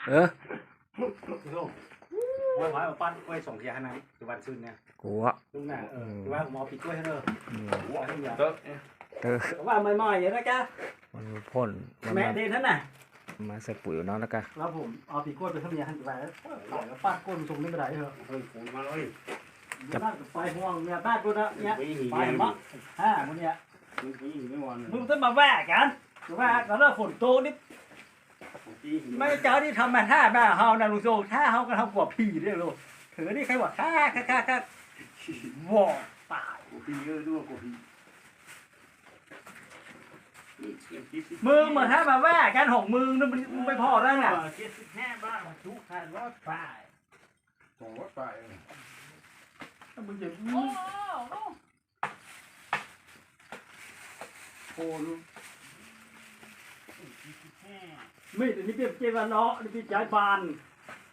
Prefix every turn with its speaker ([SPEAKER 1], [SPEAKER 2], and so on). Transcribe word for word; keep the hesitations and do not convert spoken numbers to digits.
[SPEAKER 1] เออ
[SPEAKER 2] ว่าว่าเอาปั้นกล้วยส่งเทียนนะจุบันซื้อเนี่ย
[SPEAKER 1] กูอ่ะ
[SPEAKER 2] ลุงน่ะเออจุบันผมเอาปีกล้วยให้เลยว่าให้เยอะ
[SPEAKER 1] เออ
[SPEAKER 2] ว่าไม่ไม่อย่างนั้นจ้ะ
[SPEAKER 1] มันพ่นมัน
[SPEAKER 2] แม่
[SPEAKER 1] มา
[SPEAKER 2] เดนท่านน่ะ
[SPEAKER 1] มาใส่ปุ๋ยเนาะแล้วก็
[SPEAKER 2] แล้วผมเอาปีกล้วยไปทำยาหันไปแล้วต่อยแล้วป้าก้นส่งนี่ไม่ได้เหรอ
[SPEAKER 3] เฮ้ยฝนมาเลย
[SPEAKER 2] จะบ้านกับไฟห่วงเนี่ยบ้านกูนะเนี่ยไฟมักฮ่ามันเนี่ย
[SPEAKER 3] มึงปีหิไม่วัน
[SPEAKER 2] มึงต้องมาแวกกันแวกกันแล้วฝนโตนี่ไม่เจ้าที่ทำมาท่าแม่เฮานะลุงโซท่าเฮาก็ทำกว่าผีเด้อลูกถือนี่ใครบอกท่าท่าท่าท่าวอตาย
[SPEAKER 3] กูปีเยอะด้วยกูปี
[SPEAKER 2] มึงเหมือนท่ามาแวกกันหกมึงนั่นมันไม่พอได้ไง
[SPEAKER 3] เจ็ดสิบห้าบ้างทุกคันรถไฟสองรถไฟ
[SPEAKER 2] มึงจะโอ้ลูกไม่แต่นี่เปรียบเจวันเนาะนี่เป็นใจบาน